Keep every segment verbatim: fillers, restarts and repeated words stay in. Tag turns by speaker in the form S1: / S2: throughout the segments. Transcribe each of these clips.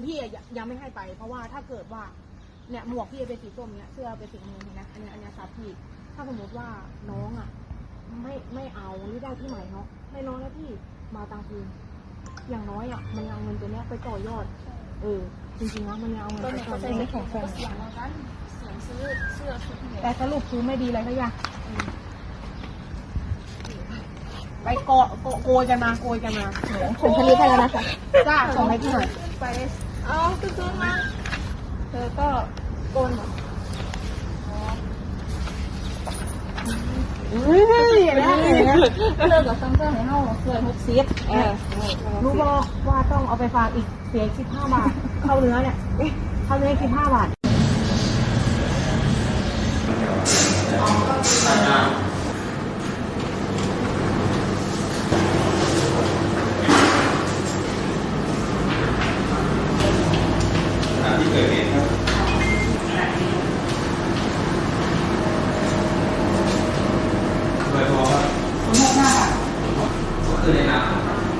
S1: พี่ยังไม่ให้ไปเพราะว่าถ้าเกิดว่าเนี่ยหมวกพี่เป็นสีส้มเนี่ยเสื้อเป็นสีเงินเห็นไหมอันนี้อันนี้ซับพี่ถ้าสมมติว่าน้องอ่ะไม่ไม่เอาหรือได้ที่ใหม่เนาะไม่น้องแล้วพี่มาตังคืนอย่างน้อยอ่ะมันเอาเงินตัวเนี้ยไปต่อยอดเออจริงๆนะมันเอาเงินไปต่อยอดไม่แข็งแรงเสียงเรากันเสียงซื้อเสื้อชุดแต่สรุปคือไม่ดีเลยทุกอย่างไปโกโกยกันมาโกยกันมา
S2: ผลผลิตให้แล้วนะคะ
S1: จ้าส่งให้พี่หน่อยไป
S2: อ๋อคือมา
S1: เธอก็โกนเฮ้ยอย่างนี้
S2: ก็เลิกกับซัมเซอร์ให้เข้าเกินหกสิบ
S1: รู้บอกว่าต้องเอาไปฝากอีกเสียสิบห้าบาทเข้าเนื้อเนี่ยเข้าเนื้อสิบห้าบาท
S3: ที่เกิดเหตุครับเบอร์โทรครับศูนย์หกห้าก็คือในนาม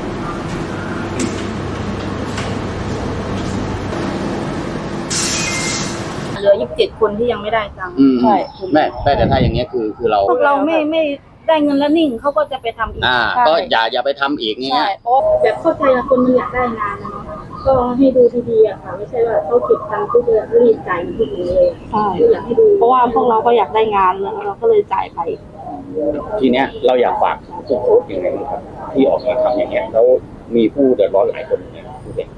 S2: เหลือยี่สิบเจ็ดคนที่ยังไม่ได้ตังค์
S4: ใช่แม่แม่แต่ถ้าอย่างเงี้ยคือคือเรา
S2: พวกเราไม่ไม่ได้เงินแล้วนิ่งเขาก็จะไปทำอีก
S4: อ่าก็อย่าอย่าไปทำอีกเงี้ย
S2: แบบเข้าใจคนมันอยากได้งานนะเนาะก็ให้ดูดีๆอะค่ะไม่ใช่ว่าเขาเก็บตังค์เพื่อรีดจ่ายทุกอย่างเลยใช่อยากให้ดูเพราะว่าพวกเราก็อยากได้งานแล้วเราก็เลยจ่ายไป
S4: ทีเนี้ยเราอยากฝากผู้โพสต์ยังไงบ้างครับที่ออกมาทำอย่างเงี้ยแล้วมีผู้เดือดร้อนหลายคนเนี่ยผู้เด็ก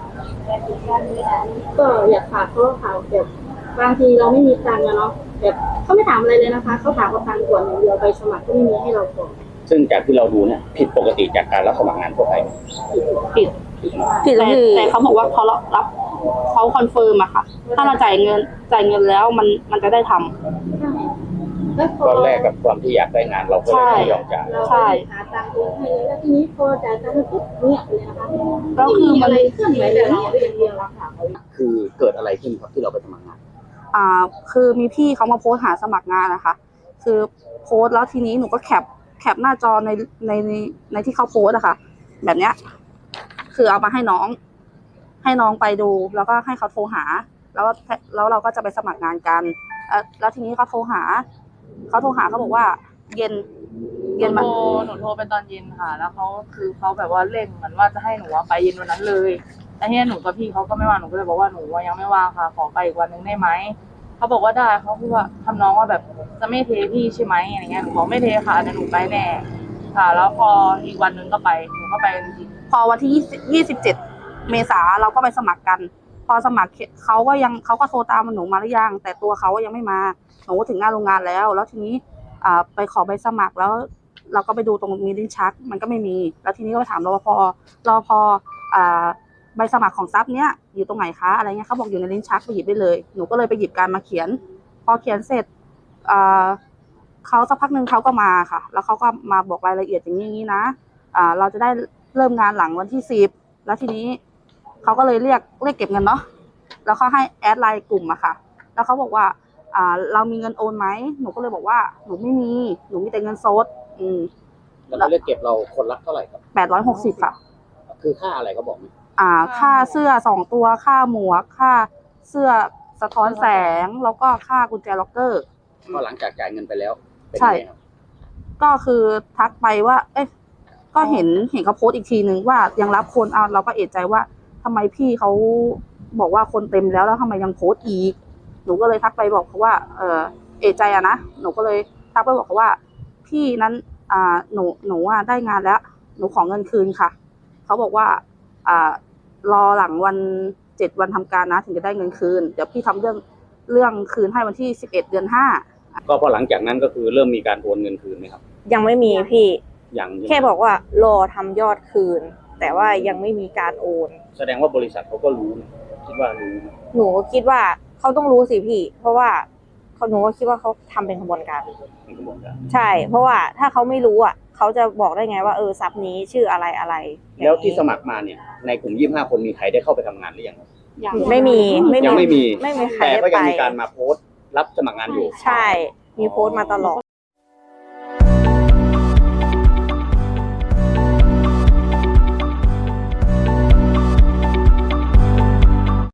S2: ก็อยากฝากเขาค่ะแบบบางทีเราไม่มีตังค์เนาะแบบเขาไม่ถามอะไรเลยนะคะเขาถามว่าตังค์ก่อนอย่างเดียวไปสมัครก็ไม่มีให้เราก่อน
S4: ซึ่งจากที่เราดูเนี่ยผิดปกติจากการรับสมัครงานทั่วไป
S2: ผิดผิดแต่แต่เขาบอกว่าเขารับเขาคอนเฟิร์มอะค่ะถ้าเราจ่ายเงินจ่ายเงินแล้วมันมันจะได้ทำ
S4: ตอนแรกกับความที่อยากได้งานเราก็เลยไม่ยอมจ่าย
S2: ใช่หาตังค์เองให้แล้วทีนี้พอจ่ายตังค์ปุ๊บเนี่ยเลยนะคะก็คือมันเคลื่อนไหวแบบนี้อย่างเดียวละค่ะ
S4: คือเกิดอะไรขึ้นครับที่เราไปสมัครงาน
S2: อ่าคือมีพี่เขามาโพสหาสมัครงานนะคะคือโพสแล้วทีนี้หนูก็แคปแคปหน้าจอในในในในที่เขาโพสอะค่ะแบบเนี้ยคือเอามาให้น้องให้น้องไปดูแล้วก็ให้เขาโทรหาแล้วแล้วเราก็จะไปสมัครงานกันแล้วทีนี้เขาโทรหาเขาโทรหาเขาบอกว่าเย็น
S5: เย็นมาหนูโทรไปตอนเย็นค่ะแล้วเขาคือเขาแบบว่าเร่งเหมือนว่าจะให้หนูไปเย็นวันนั้นเลยแต่ที่หนูกับพี่เขาก็ไม่ว่างหนูก็เลยบอกว่าหนูยังไม่ว่างค่ะขอไปอีกวันนึงได้ไหมเขาบอกว่าได้เขาพูดว่าทำน้องว่าแบบจะไม่เทพี่ใช่ไหมอะไรเงี้ยหนูบอกไม่เทค่ะแต่หนูไปแน่ค่ะแล้วพออีกวันนึงก็ไปหนูก็ไปจริง
S2: พอวันที่ยี่สิบเจ็ดเมษาเราก็ไปสมัครกันพอสมัครเขาก็ยังเขาก็โทรตามหนูมาหรือยังแต่ตัวเขายังไม่มาหนูถึงหน้าโรงงานแล้วแล้วทีนี้อ่าไปขอใบสมัครแล้วเราก็ไปดูตรงมีลิ้นชักมันก็ไม่มีแล้วทีนี้ก็ไปถามรปภรปภอ่าใบสมัครของซับเนี้ยอยู่ตรงไหนคะอะไรเงี้ยเขาบอกอยู่ในลิ้นชักไปหยิบได้เลยหนูก็เลยไปหยิบการมาเขียนพอเขียนเสร็จอ่าเขาสักพักหนึ่งเขาก็มาค่ะแล้วเขาก็มาบอกรายละเอียดอย่างนี้อย่างนี้นะอ่าเราจะได้เริ่มงานหลังวันที่สิบแล้วทีนี้เขาก็เลยเรียกเรียกเก็บเงินเนาะแล้วเขาให้แอดไลน์กลุ่มอะค่ะแล้วเขาบอกว่าอ่าเรามีเงินโอนไหมหนูก็เลยบอกว่าหนูไม่มีหนูมีแต่เงินสดอืม
S4: แล้วเขาเรียกเก็บเราคนละเท่าไหร่ครับ
S2: แปดร้อยหกสิบค่ะ
S4: คือค่าอะไรเขาบอกไหม
S2: อ่าค่าเสื้อสองตัวค่าหมวกค่าเสื้อสะท้อนแสงแล้วก็ค่ากุญแจล็อกเกอร์
S4: ก็หลังจากจ่ายเงินไปแล้ว
S2: ใช่ก็คือทักไปว่าเอ๊ะก็เห็นเห็นเขาโพสต์อีกทีนึงว่ายังรับคนเอาเราก็เอะใจว่าทำไมพี่เขาบอกว่าคนเต็มแล้วแล้วทำไมยังโพสต์อีกหนูก็เลยทักไปบอกเขาว่าเออเอะใจอะนะหนูก็เลยทักไปบอกเขาว่าพี่นั้นอ่าหนูหนูอ่ะได้งานแล้วหนูขอเงินคืนค่ะเขาบอกว่าอ่ารอหลังวันเจ็ดวันทำการนะถึงจะได้เงินคืนเดี๋ยวพี่ทำเรื่องเรื่องคืนให้วันที่สิบเอ็ดเดือนห้า
S4: ก็พอหลังจากนั้นก็คือเริ่มมีการโอนเงินคืนไหมครับ
S6: ยังไม่มีพี่
S4: ยัง
S6: แค่บอกว่ารอทำยอดคืนแต่ว่ายังไม่มีการโอน
S4: แสดงว่าบริษัทเขาก็รู้คิดว่ารู้
S6: หนูคิดว่าเขาต้องรู้สิพี่เพราะว่าเขาหนูก็คิดว่าเขาทำเป็นขบวนการใช่เพราะว่าถ้าเขาไม่รู้อ่ะเขาจะบอกได้ไงว่าเออซับนี้ชื่ออะไรอะไร
S4: แล้วที่สมัครมาเนี่ยในกลุ่มยี่สิบห้าคนมีใครได้เข้าไปทำงานหรือยัง
S6: ไม่มี
S4: ยังไม่มี
S6: ไม่มีใคร
S4: แต่
S6: ได้
S4: ก็
S6: ไป
S4: ยังมีการมาโพสต์รับสมัครงานอยู่
S6: ใช่มีโพสต์มาตลอด